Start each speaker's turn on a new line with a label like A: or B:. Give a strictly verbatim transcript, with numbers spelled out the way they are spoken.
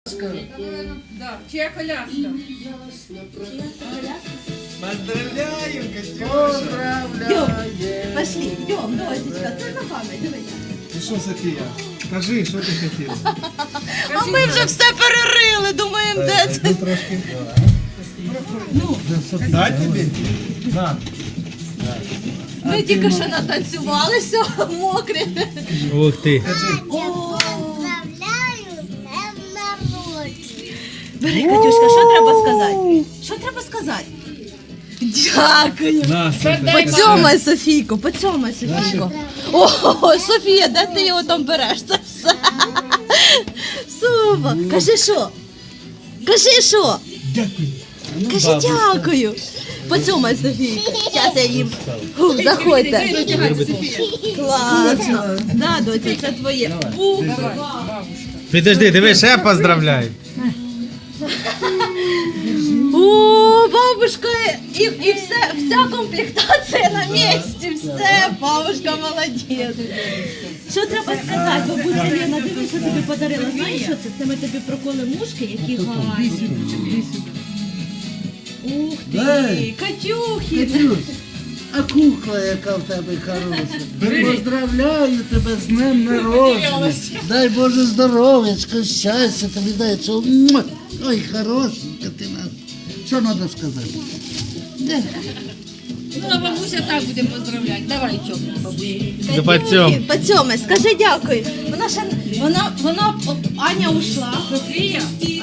A: Да, чья коляска?
B: Поздравляем, Катюша!
C: Поздравляем! Пошли, идем, дочечка, це на пам'ять, дивися.
B: Ну що, Софія, скажи, що ти хотіла?
C: А ми вже все перерили, думаємо, де це.
B: Ну, трошки. Ну, дай тобі? На.
C: Ми тільки що натанцювалися, мокрі.
D: Ух ти.
E: Поздравляю, з днем народження.
C: Бери, Катюшка, що треба сказати? Що треба сказати? Дякую.
D: На, Софія.
C: Поцьомай Софійку, поцьомай Софійку. О, Софія, де ти його там береш? Це все. Супер. Кажи що? Кажи що?
B: Дякую.
C: Кажи дякую. Поцьомай Софійку. Зараз я їм. Фу, заходьте. Класно. Да, доця, це твоє. Ух.
D: Підожди, диви, ще поздравляй.
C: О, бабушка, і, і все, вся комплектація на місці, все, бабушка молодець. Що треба сказати, бабуся Лена, диви, що тобі подарила, знаєш що це? Це ми тобі проколи мушки, які гарні. Ух ти,
F: Дай.
C: Катюхи.
F: Катюш, а кукла, яка в тебе хороша. Поздравляю тебе з днем народження. Дай Боже здоров'ячка, щастя тобі дай цього. Муа. Ой, хорошенька ти нас. Що треба сказати?
A: Ну, а бабуся так будемо поздравляти. Давай, чок, бабусі.
D: До поцьом.
C: Поцьомай, скажи дякую. Вона ще, вона, вона, Аня ушла.
A: Софія,